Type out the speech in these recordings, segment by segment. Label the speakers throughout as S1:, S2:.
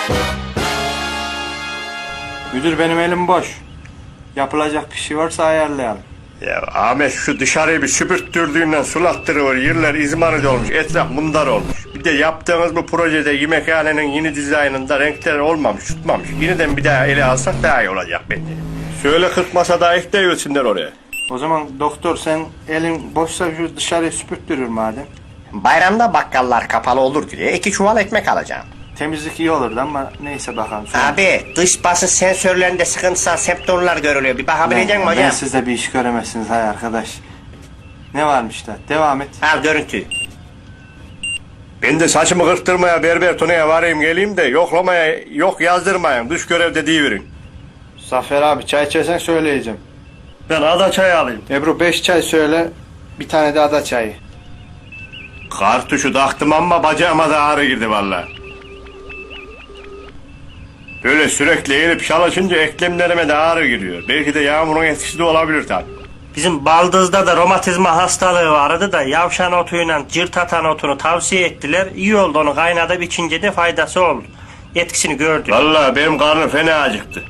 S1: Müdür benim elim boş. Yapılacak bir şey varsa ayarlayalım.
S2: Ya Ahmet şu dışarıyı bir süpürttürdüğünden sulattırıyor. Yerler izmarit olmuş. Etraf mundar olmuş. Bir de yaptığımız bu projede yemekhanenin yeni dizaynında renkler olmamış, tutmamış. Yeniden bir daha ele alsak daha iyi olacak bence. Söyle 40 masa daha ekleyiversinler oraya.
S1: O zaman doktor sen elin boşsa şu dışarıyı süpürttürür madem.
S3: Bayramda bakkallar kapalı olur diye 2 çuval ekmek alacağım.
S1: Temizlik iyi olurdu ama neyse bakalım. Sonra.
S3: Abi dış basınç sensörlerinde sıkıntısal septorlar görülüyor. Bir bakabilecek misin hocam?
S1: Ben siz de bir iş göremezsiniz hay arkadaş. Ne varmış da? Devam et.
S3: Al görüntü.
S2: Ben de saçımı kırptırmaya berber Tuna'ya varayım geleyim de yoklamaya yok yazdırmayın. Dış görevde deyiverin.
S1: Zafer abi çay içersen söyleyeceğim.
S2: Ben ada çayı alayım.
S1: Ebru 5 çay söyle. Bir tane de ada çayı.
S2: Kartuşu taktım ama bacağıma da ağrı girdi vallahi. Böyle sürekli eğilip çalışınca eklemlerime de ağrı giriyor. Belki de yağmurun etkisi de olabilir tabi.
S3: Bizim baldızda da romatizma hastalığı vardı da yavşan otuyla cırt atan otunu tavsiye ettiler. İyi oldu, onu kaynatıp içince de faydası oldu. Etkisini gördü.
S2: Vallahi benim karnım fena acıktı.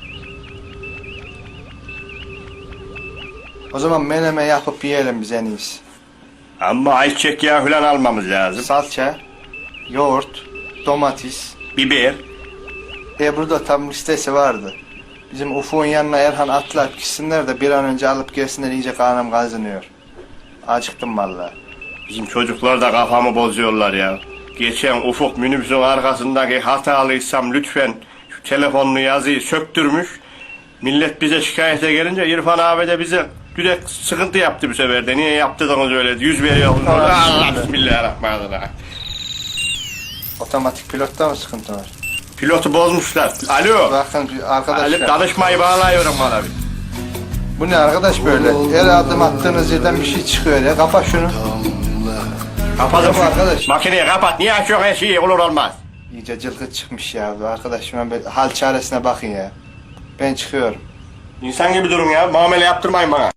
S1: O zaman menemen yapıp yiyelim biz en iyisi.
S2: Ama ayçiçek yağı falan almamız lazım.
S1: Salça, yoğurt, domates.
S2: Biber.
S1: Ebru'da tam listesi vardı. Bizim Ufuk'un yanına Erhan atlar gitsinler de bir an önce alıp gelsinler, iyice karnım kazınıyor. Acıktım vallahi.
S2: Bizim çocuklar da kafamı bozuyorlar ya. Geçen Ufuk minibüsün arkasındaki hatalıysam lütfen şu telefonlu yazıyı söktürmüş. Millet bize şikayete gelince İrfan abi de bize direkt sıkıntı yaptı bu sefer de. Niye yaptınız öyle? Yüz veriyor. Allah bismillahirrahmanirrahim.
S1: Otomatik pilotta mı sıkıntı var?
S2: Pilotu bozmuşlar. Alo.
S1: Bakın arkadaşlar.
S2: Danışmayı bağlayıyorum bana bir.
S1: Bu ne arkadaş böyle? Her adım attığınız yerden bir şey çıkıyor ya. Kapat şunu.
S2: Kapadım
S1: Tamam arkadaş.
S2: Makineyi kapat. Niye açıyorsun her şeyi? Olur olmaz.
S1: İyice cılgıt çıkmış ya. Arkadaş ben hal çaresine bakın ya. Ben çıkıyorum.
S2: İnsan gibi durun ya. Muamele yaptırmayın bana.